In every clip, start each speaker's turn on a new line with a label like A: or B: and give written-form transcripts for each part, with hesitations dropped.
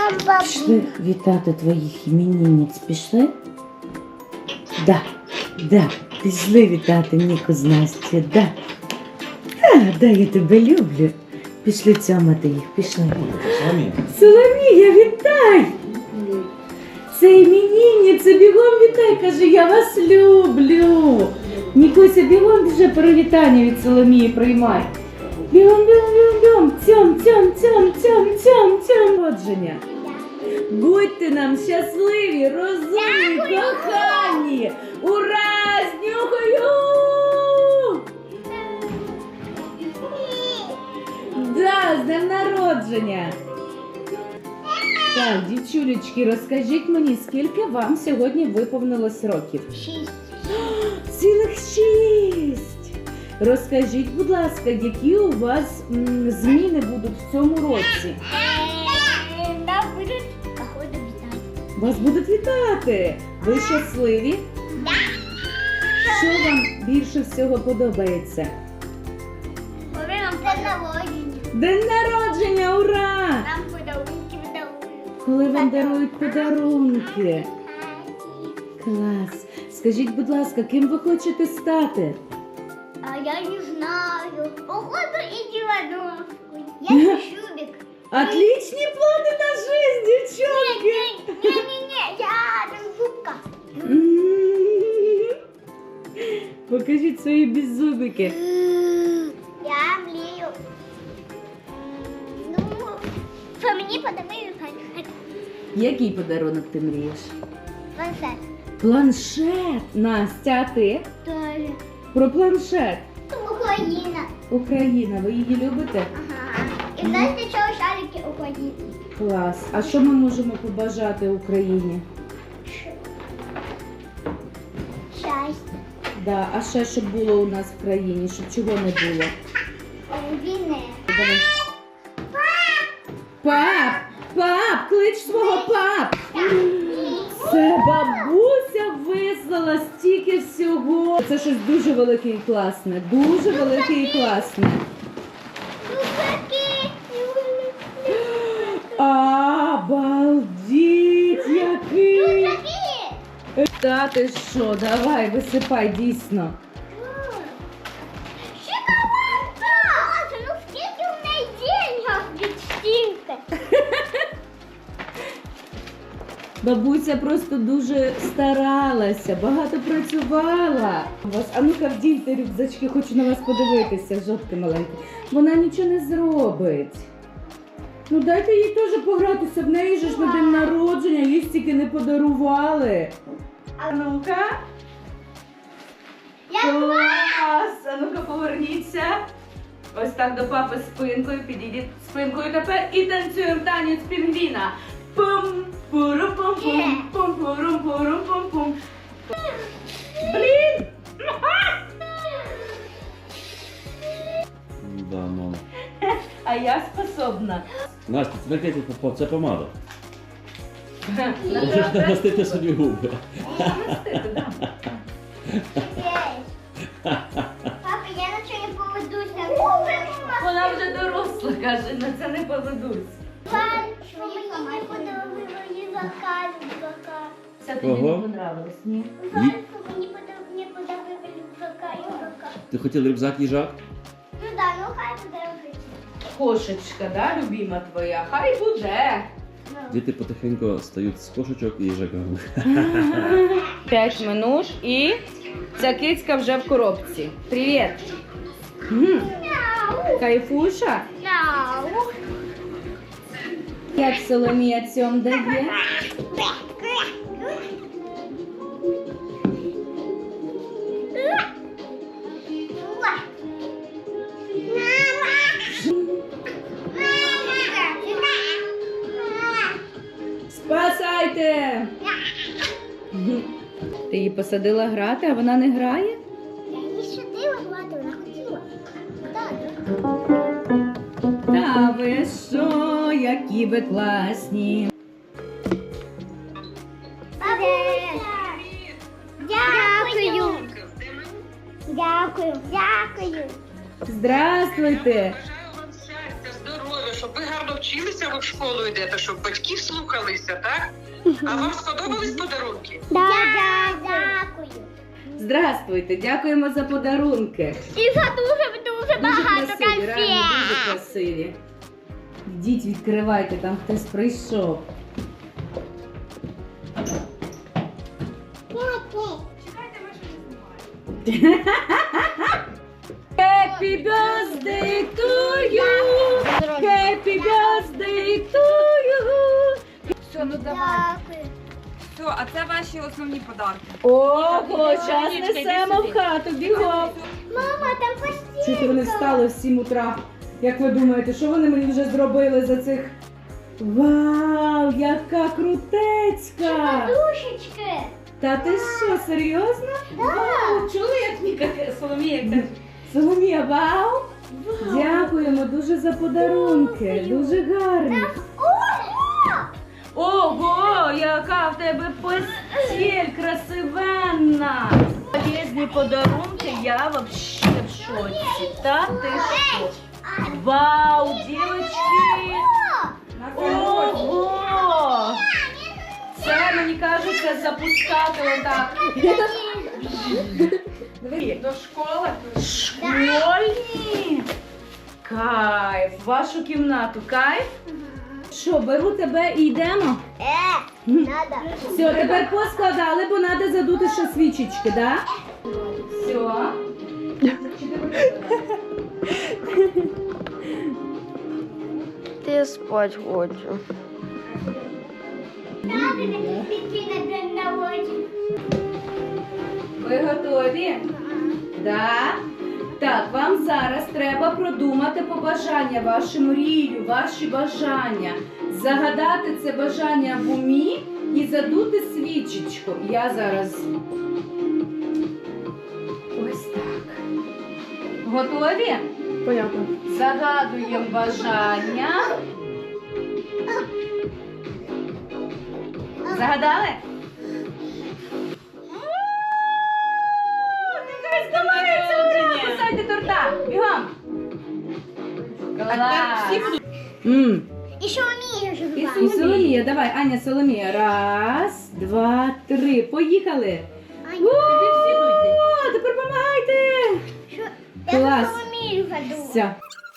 A: Пішли вітати твоїх іменинниць, пішли? Да, пішли вітати Ніку з Настю, да. Да, я тебе люблю. Пішли цьомати їх, пішли. Соломія, вітай! Це іменинниця, бігом вітай, каже, я вас люблю. Нікуся, бігом вже привітання від Соломії приймай. Бігом, цьом. Народження. Будьте нам щасливі, розумні, кохані. Ура! З нюхаю! Да, з днем народження. Так, дівчулечки, розкажіть мені, скільки вам сьогодні виповнилось років?
B: 6.
A: Цілих 6. Розкажіть, будь ласка, які у вас зміни будуть в цьому році?
B: Нас будуть, походу, вітати.
A: Вас будуть вітати. Ви щасливі?
B: Да.
A: Що вам більше всього подобається?
B: Коли нам день народження.
A: День народження, ура!
B: Нам подарунки дарують.
A: Коли вам дарують подарунки. Клас. Скажіть, будь ласка, ким ви хочете стати?
B: А я не знаю. Походу, идиотовку. Я Шубик.
A: Отличні плани на жизнь, дівчонки!
B: Не, я там зубка.
A: Покажіть свої беззубики.
B: Я млею. Ну, що мені подарують планшет.
A: Який подарунок ти мрієш?
B: Планшет.
A: Планшет! Настя, а ти?
B: Тоже.
A: Про планшет.
B: Україна.
A: Україна, ви її любите?
B: Ага. І знаєте, що шарики України?
A: Клас. А що ми можемо побажати Україні?
B: Щастя.
A: Да. А ще щоб було у нас в країні, щоб чого не було?
B: Війни.
A: Давай. Пап, клич свого пап. Це бабуся вислала стільки всього. Це щось дуже велике і класне. Дуже велике і класне. Обалдіть, який! Та ти що, давай, висипай, дійсно.
B: Ну скільки в неї денег від стільки?
A: Бабуся просто дуже старалася, багато працювала. А ну-ка вдіньте рюкзачки, хочу на вас подивитися, жовтки маленькі. Вона нічого не зробить. Ну дайте їй теж погратися, в неї же ж на день народження, їй стільки не подарували. А ну-ка. Клас! А ну-ка поверніться. Ось так до папи спинкою, підійдіть спинкою тепер і танцюємо танець пінгвіна. Пум, пуру-пум-пум, пум-пурум-пурум-пум-пум. Блін!
C: Да, мама.
A: А я способна.
C: Настя, це не це помада. Можеш намастити собі губи.
B: Папа, я на що не поведуся.
A: Вона вже доросла, каже, на це не поведусь.
B: Що мені не подобається заказ.
A: Це тобі не
C: Ого.
A: понравилось, ні?
B: Жаль, що мені не подобається заказ.
C: Ти хотів рюкзак їжак?
B: Ну да, ну хай подобається.
A: Кошечка, да, любима твоя? Хай буде.
C: Діти потихеньку стають з кошечок і їжаками.
A: 5 минут і ця кицька вже в коробці. Привіт. Кайфуша?
B: Мяу.
A: Як Соломія цьом дає? Спасайте! Ти її посадила грати, а вона не грає?
B: Я її сюди гладила, вона хотіла. Так.
A: Та ви що, які ви класні.
B: Бабуся! Дякую! Дякую! Дякую!
A: Здравствуйте!
D: Бажаю вам щастя, здоров'я, щоб ви гарно навчилися, ви в школу йдете, щоб батьків слухалися, так? А вам сподобались подарунки?
B: Дякую.
A: Здравствуйте, дякуємо за подарунки.
B: І за дуже багато
A: красиві, реально дуже
B: конфет.
A: красиві. Йдіть, відкривайте, там хтось прийшов. Happy birthday to you! Happy birthday to you!
E: Все, ну давай.
B: Дякую.
E: Все, а це ваші основні подарки.
A: Ого, час
E: Сонечка,
A: несемо
E: іди
A: в
E: сюди.
A: хату, бігом!
B: Мама, там постіль.
A: Чути вони встали в 7 утра. Як ви думаєте, що вони мені вже зробили за цих? Вау, яка крутецька!
B: Подушечки.
A: Та ти що, серйозно? Вау, чули, як Ніка Соломія каже? Соломія, вау! Дякуємо дуже за подарунки, дуже гарні. Ого, яка в тебе постіль красивенна! Полезні подарунки, я вообще в шоці. Та ти що? Вау, дівчатки! Ого! Це, мені кажеться, запускати отак.
E: До школи.
A: Школьні! Кайф! Вашу кімнату, кайф? Що, беру тебе і йдемо?
B: Надо.
A: Все, тепер поскладали, бо треба задути ще свічечки, да? Все.
F: Я спать хочу.
B: Надо піти на день народження.
A: Ви готові? Да? Так, вам зараз треба продумати побажання, вашу мрію, ваші бажання. Загадати це бажання в умі і задути свічечку. Я зараз. Ось так. Готові?
F: Понятно.
A: Загадуємо бажання. Загадали? Кусайте торта! Бігом! Клас!
B: І що вмієш
A: І Соломія, давай, Аня, Соломія. Раз, два, три. Поїхали! О, тепер помагайте!
B: Я
A: Клас.
B: за Соломію гаду.
A: Все.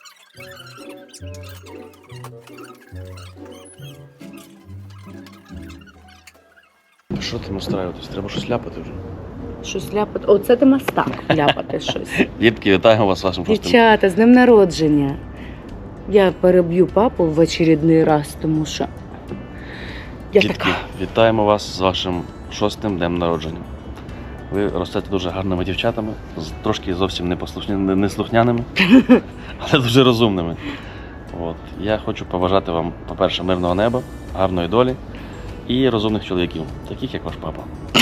C: Що там устраюватись? Треба щось ляпати вже.
A: Щось ляпати. Оце ти мастак ляпати щось.
C: Дітки, вітаємо вас з вашим шостим.
A: Дівчата, з днем народження. Я переб'ю папу в очередний раз, тому що я
C: Дітки,
A: така.
C: вітаємо вас з вашим 6-тим днем народження. Ви ростете дуже гарними дівчатами, трошки зовсім неслухняними, але дуже розумними. От. Я хочу побажати вам, по-перше, мирного неба, гарної долі і розумних чоловіків, таких як ваш папа.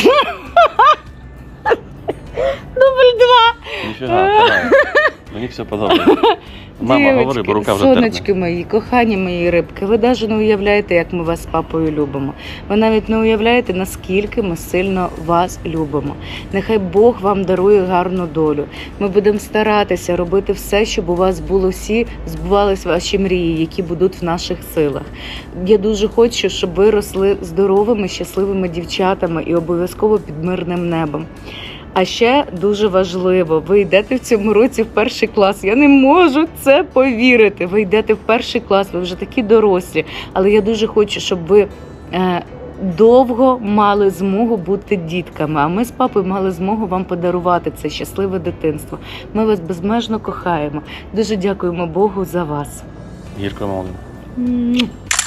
A: Дубль 2.
C: Ніфіга, давай. Мені все подобається. Мама, говори, бо рука вже
A: сонечки
C: терпне.
A: мої, кохані мої рибки, ви навіть не уявляєте, як ми вас з папою любимо. Ви навіть не уявляєте, наскільки ми сильно вас любимо. Нехай Бог вам дарує гарну долю. Ми будемо старатися робити все, щоб у вас було всі, збувались ваші мрії, які будуть в наших силах. Я дуже хочу, щоб ви росли здоровими, щасливими дівчатами і обов'язково під мирним небом. А ще дуже важливо, ви йдете в цьому році в 1 клас. Я не можу це повірити. Ви йдете в 1 клас, ви вже такі дорослі. Але я дуже хочу, щоб ви довго мали змогу бути дітками. А ми з папою мали змогу вам подарувати це щасливе дитинство. Ми вас безмежно кохаємо. Дуже дякуємо Богу за вас.
C: Гірко молодим.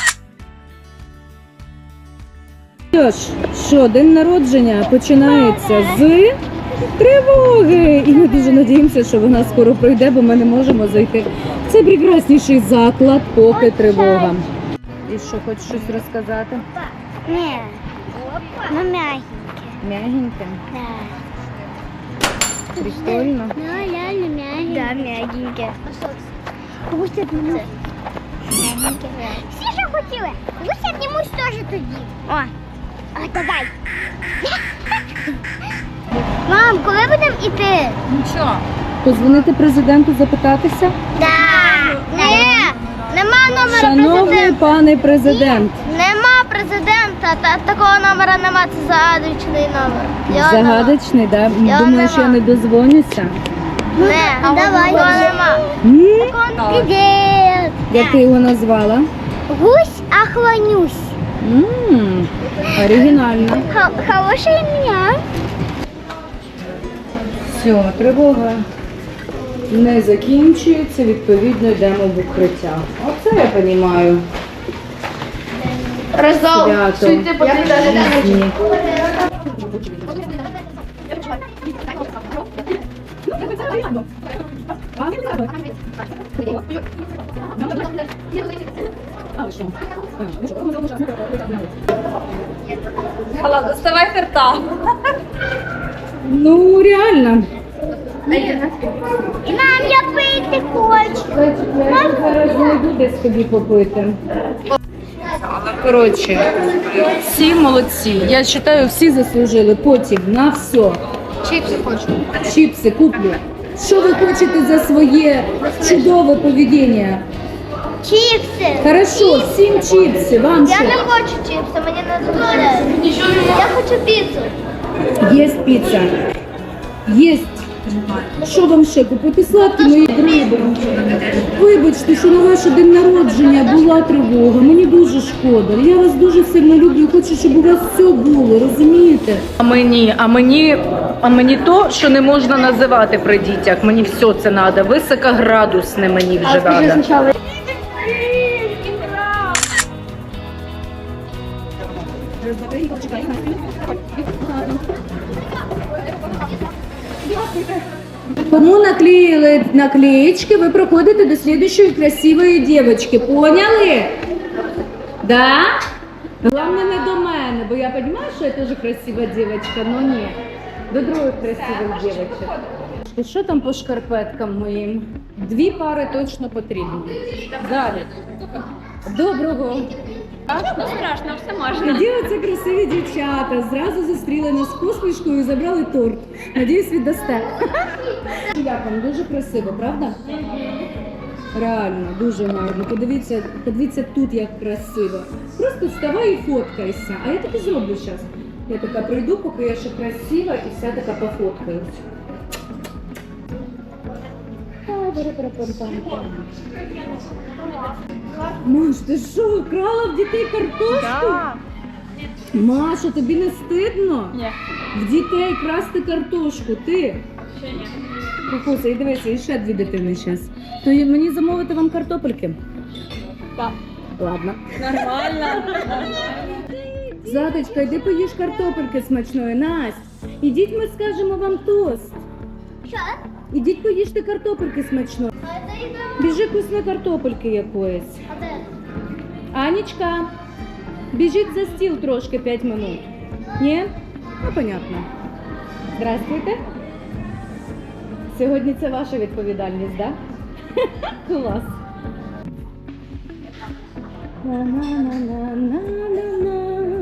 A: Що, день народження починається з тривоги. І ми дуже надіємося, що вона скоро пройде, бо ми не можемо зайти в цей прекрасніший заклад, поки тривога. І що, хочеш щось розказати?
B: Ні. Ну, мягеньке.
A: Мягеньке?
B: Да.
A: Прикольно.
B: Ну, реально мягеньке. Да, мягеньке. Гуся обнімусь. Мягеньке. Всі що хотіли. Гуся обнімусь теж тоді. О, давай. Мам, коли будемо йти?
E: Нічого.
A: Позвонити президенту, запитатися?
B: Да. Нема номера
A: Шановний пане президент.
B: Нема президента, такого номера нема, це загадочний номер. Його
A: Загадочний, да?
B: Його
A: Думаєш, я
B: нема.
A: не дозвонюся?
B: нема. Давай. Його нема. Привіт.
A: Як ти його назвала?
B: Гусь охлонюсь.
A: Оригінально.
B: Хороше ім'я.
A: Все, тривога не закінчується, відповідно йдемо в укриття. Оце я розумію.
F: Роздал.
A: Свято. Ні.
E: Алла, доставай карта.
A: Ну, реально.
B: Мам, я пити хочу.
A: Я зараз знайду десь тобі попити. Коротше, всі молодці. Я вважаю, всі заслужили потім на все.
F: Чипсы хочу.
A: Чіпси куплю. Що ви хочете за своє чудове поведіння?
B: Чіпси.
A: Хорошо, всім чіпси, вам
B: Я
A: що?
B: не хочу чіпси, мені не дозволяють. Я хочу піцу.
A: Є піца. Є. Що вам ще купити? Сладкі мої дриби. Вибачте, що на ваш день народження була тривога. Мені дуже шкода. Я вас дуже сильно люблю. Хочу, щоб у вас все було, розумієте?
G: А мені то, що не можна називати при дітях. Мені все це треба. Високоградусне мені вже треба.
A: Кому наклеили наклеечки, вы проходите до следующей красивой девочки. Поняли? Да? Главное не до мене, бо я понимаю, що я теж красива девочка, но ні. До других красивих девочок. І що там по шкарпеткам моїм? 2 пари точно потрібні. Далі. Доброго.
E: Страшно, все можна.
A: Тоді оце красиві дівчата. Зразу зустріли нас з посмішкою і забрали торт. Надіюсь, віддасте. Як вам? Дуже красиво, правда? Реально, дуже гарно. Подивіться тут, як красиво. Просто вставай і фоткайся. А я так і зроблю зараз. Я така прийду, поки я ще красива, і вся така пофоткаюсь. Маш, ти що, крала в дітей картошку? Маша, тобі не стидно?
E: Ні.
A: В дітей красти картошку, ти?
E: Ще ні.
A: Кукуся, і дивися, і ще 2 дитини зараз. То мені замовити вам картопельки?
E: Так.
A: Ладно.
E: Нормально.
A: Задочка, йди поїж картопельки смачної. Настя, ідіть, ми скажемо вам тост.
B: Що?
A: Ідіть поїжте картопельки смачної.
B: А це йде.
A: Біжи вкусної картопельки якоїсь.
B: А де?
A: Анічка, біжіть за стіл трошки 5 минут. Ні? Ну, понятно. Здравствуйте. Сьогодні це ваша відповідальність, так? Да? Клас. На-на-на-на-на-на-на.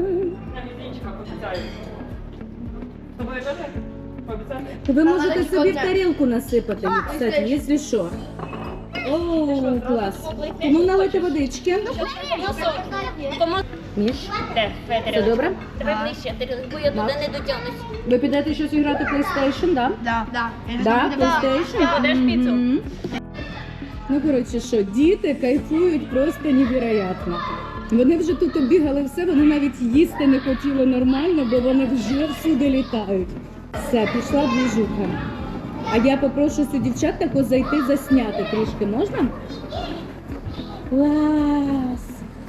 A: Ви можете собі в тарілку насипати, кстати, якщо що. О, клас. Тому налити водички. Міш, все добре?
H: Давай ближче, бо я туди не дотягнусь.
A: Ви підете щось грати в PlayStation, да?
F: Да.
A: Да, PlayStation?
E: Будеш піцу?
A: Мгм. Ну, коротше, що, діти кайфують просто невероятно. Вони вже тут оббігали все, вони навіть їсти не хотіли нормально, бо вони вже всюди літають. Все, пішла двіжуха. А я попрошу у дівчат тако зайти засняти трішки, можна? Клас!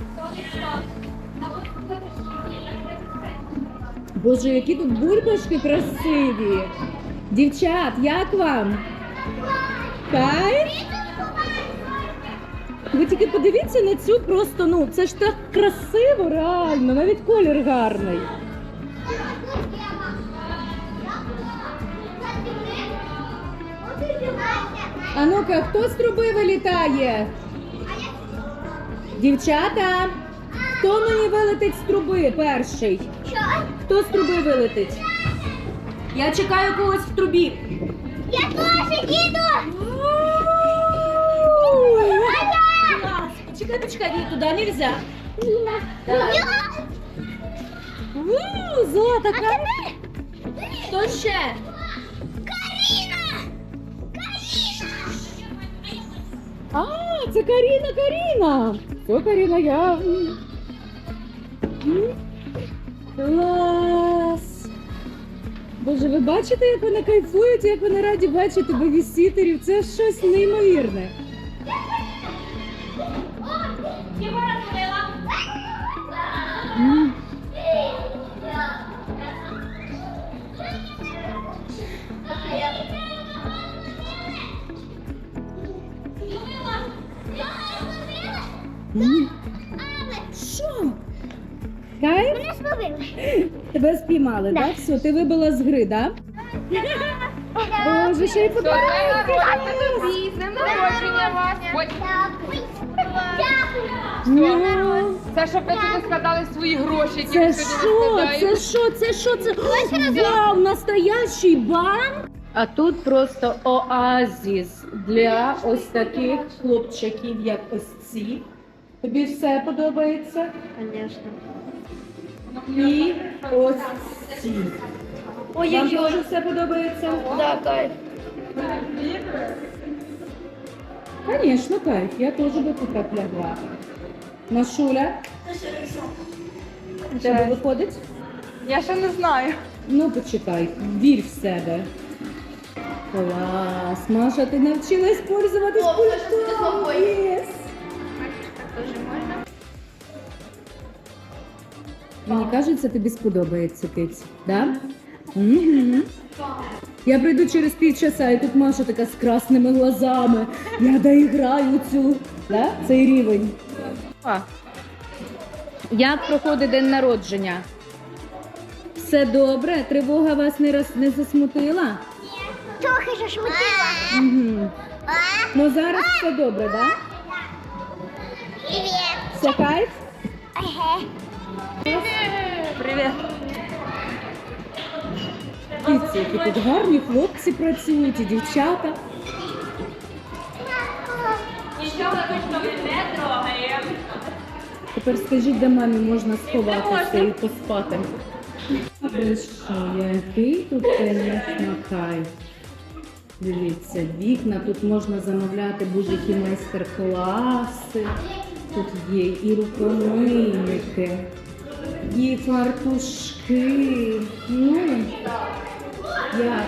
A: Боже, які тут бульбашки красиві! Дівчат, як вам? Кайф? Ви тільки подивіться на цю просто, ну, це ж так красиво, реально, навіть колір гарний. А ну-ка, хто з труби вилітає? Дівчата, хто мені вилетить з труби перший? Хто з труби вилетить? Я чекаю когось в трубі.
B: Я теж їду!
A: Чекайте, почекай, ні, туди нельзя. Золота,
E: Хто ще?
A: А, це Каріна. Все, Каріна, я. Клас. Боже, ви бачите, як вони кайфують, як вони раді бачити бебісітерів? Це щось неймовірне. Що? Кайф?
B: Мене зловили.
A: Тебе спіймали, так? Все, ти вибила з гри, так? Боже, ще й подарунки!
E: Тобі, з днем народження вас.
A: Ну,
E: Це щоб ви туди складали свої гроші, які
A: Це
E: ви сьогодні
A: що?
E: розкладаєте.
A: Це що? Вау, настоящий банк! А тут просто оазіс для ось таких хлопчаків, як ось ці. Тобі все подобається?
F: Конечно.
A: І ось ці. Вам теж все подобається?
F: Да, кайф.
A: Звісно, кайф. Я теж би тут так лягла. Машуля? У тебе виходить?
E: Я ще не знаю.
A: Ну, почекай, вір в себе. Клас. Маша, ти навчилась пользуватись пультом. Єс. Мені кажеться, тобі сподобається, киць. Да? Угу. Я прийду через півчаса, і тут Маша така з красними глазами. Я доіграю цю, да? Цей рівень. Як проходить день народження? Все добре? Тривога вас не засмутила?
B: Трохи зашмутила.
A: Угу. Ну зараз все добре, да?
B: Привіт.
A: Все кайф?
B: Ага.
E: Привіт.
A: Дивіться, які тут гарні хлопці працюють і дівчата.
E: Нічого точно не трогаємо.
A: Тепер скажіть, де мамі можна сховатися і поспати. Ви що, який тут, звісно, кайф. Дивіться, вікна, тут можна замовляти будь-які майстер-класи. Тут є і рукомийники, і фартушки. Ну, як?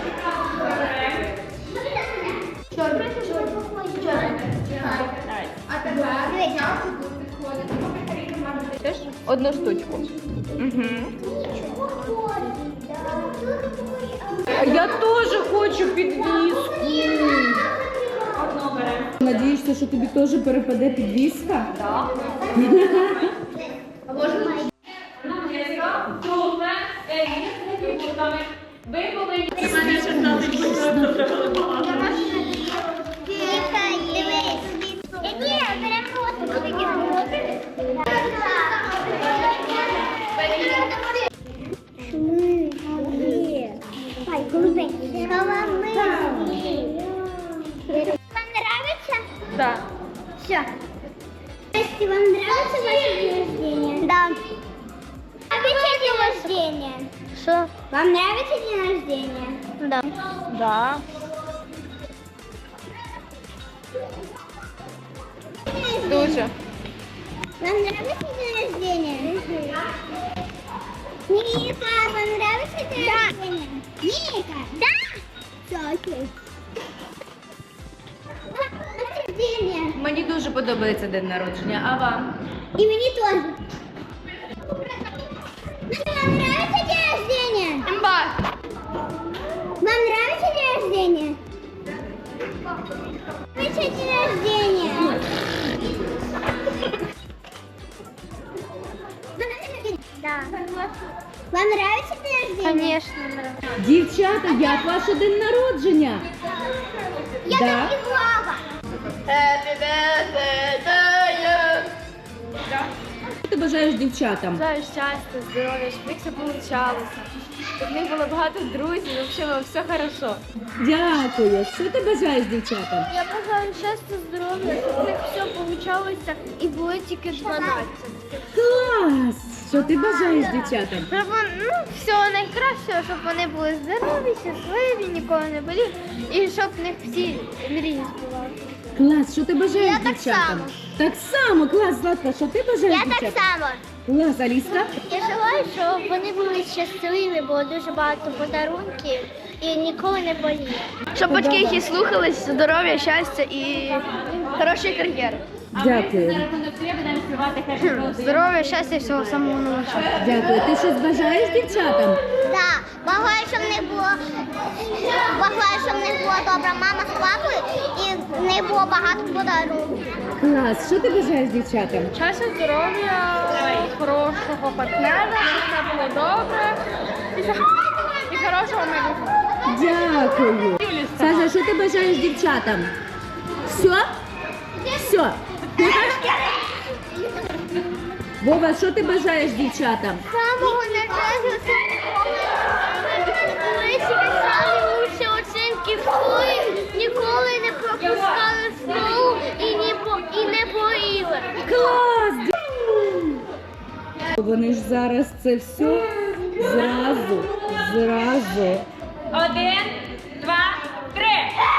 E: Одну штучку.
A: Я теж хочу підвіску. Надієшся, що тобі теж перепаде підвіска? Так.
E: Ви повинні
B: Чекай, дивись. Ні, беремо просто. Ай, голубенький. Вам нравится?
E: Да.
B: Все. Если вам нравится ваше день рождения? Да. Обещай день рождения. Что? Вам нравится день рождения? Да.
E: Да. Дуже.
B: Вам нравится день рождения? Ника, вам нравится день рождения? Ника? Да? Все, окей. День рождения.
G: Мені дуже подобається день народження, а вам?
B: И мне тоже. Вам нравится день рождения? Вам нравится день рождения? Нравится день рождения? Да. Вам нравится день рождения? Конечно, нравится.
A: Дівчата, як ваше день народження?
B: Я
A: Да.
B: так и Влада.
A: У тебе
G: бажаєш дівчатам?
E: Бажаю щастя, здоров'я, щоб в них все получалося. Щоб в них було багато друзів, і взагалі все хорошо.
G: Дякую. Що ти бажаєш дівчатам?
B: Я бажаю щастя, здоров'я, щоб в них все получалося і було тільки 12.
G: Клас! Що ти бажаєш дівчатам?
B: Щоб всього найкращого, щоб вони були здорові, щасливі, ніколи не боліли, і щоб в них всі мрії збувалися.
G: Клас, що ти бажаєш
B: Я так
G: дівчатам?
B: само.
G: Так само, клас, Златка, що ти бажаєш дівчатам?
B: само.
G: Клас, Аліска?
B: Я желаю, щоб вони були щасливі, було дуже багато подарунків і ніколи не боліли.
F: Щоб батьки їх і слухались, здоров'я, щастя і хорошої кар'єри.
G: Дякую.
F: Здоров'я, щастя і всього самого найкращого.
G: Дякую. Ти щось бажаєш дівчатам?
B: Так, бажаю, щоб в них була добра мама з папою і в них було багато подарунків.
G: Клас, що ти бажаєш дівчатам?
E: Щастя, здоров'я, хорошого партнера, щоб все було добре і хорошого майбутнього.
G: Дякую. Саша, що ти бажаєш дівчатам? Все? Все. Вова, що ти бажаєш дівчатам?
B: Самого найкращого, коли писали лучші оцінки в школі, ніколи не пропускали школу і не боїли.
G: Клас! Вони ж зараз це все зразу.
H: 1, 2, 3.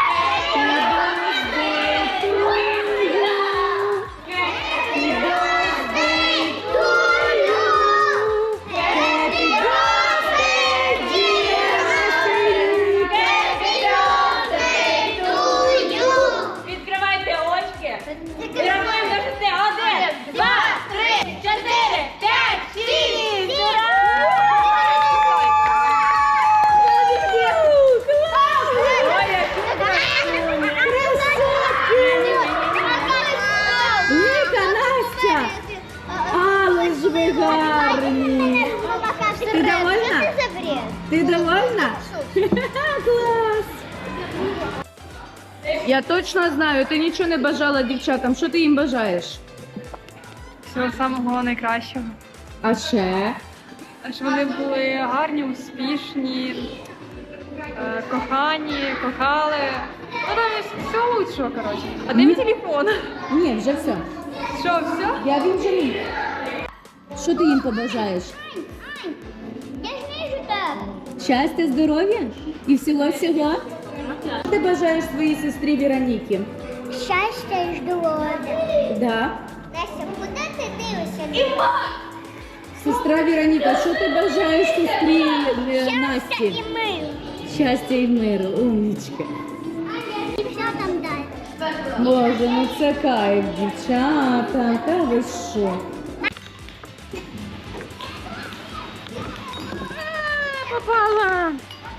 H: Відкривайте очки. І рахуємо до 6. 1, 2, 3, 4, 5, 6.
G: Ніка, Настя! Але ж ви гарні! Ти довольна? Ти довольна? Клас! Я точно знаю, ти нічого не бажала дівчатам. Що ти їм бажаєш?
E: Всього самого найкращого.
G: А ще?
E: Щоб вони були гарні, успішні, кохані, кохали. Ну там все лучшого, коротше. А де мій телефон?
G: Ні, вже все.
E: Що, все?
G: Я він же мій. Що ти їм побажаєш?
B: Я ж вижу тебе.
G: Щастя, здоров'я і всього-всього? Що ти бажаєш своїй сестрі Вероніки?
B: Щастя і здоров'я.
G: Да.
B: Настя, куди ти дивишся?
G: Сестра Вероніка, що ти бажаєш сестрі Насті?
B: мир.
G: Щастя і миру, умнічка.
B: Дівчатам дай.
G: Боже, ну це кайф, дівчата, та ви що?
F: Попала!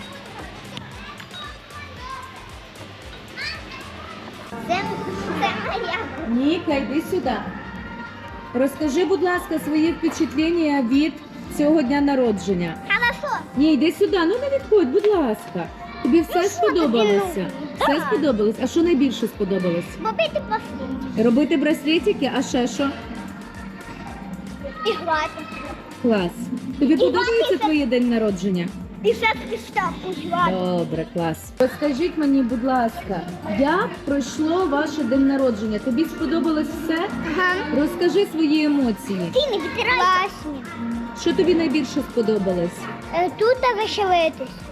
B: Це моя.
G: Ніка, йди сюди. Розкажи, будь ласка, свої впечатлення від цього дня народження.
B: Хорошо.
G: Ні, йди сюди, ну не відходь, будь ласка. Тобі все сподобалося? Все сподобалось? А що найбільше сподобалось?
B: Побити послід.
G: Робити браслетики, а ще що?
B: І грати.
G: Клас. Тобі подобається твоє день народження?
B: І ще приставку грати.
G: Добре, клас. Розкажіть мені, будь ласка, як пройшло ваше день народження? Тобі сподобалось все?
B: Ага.
G: Розкажи свої емоції.
B: Ти не відтирайся. Класні.
G: Що тобі найбільше сподобалось?
B: Тут веселитись.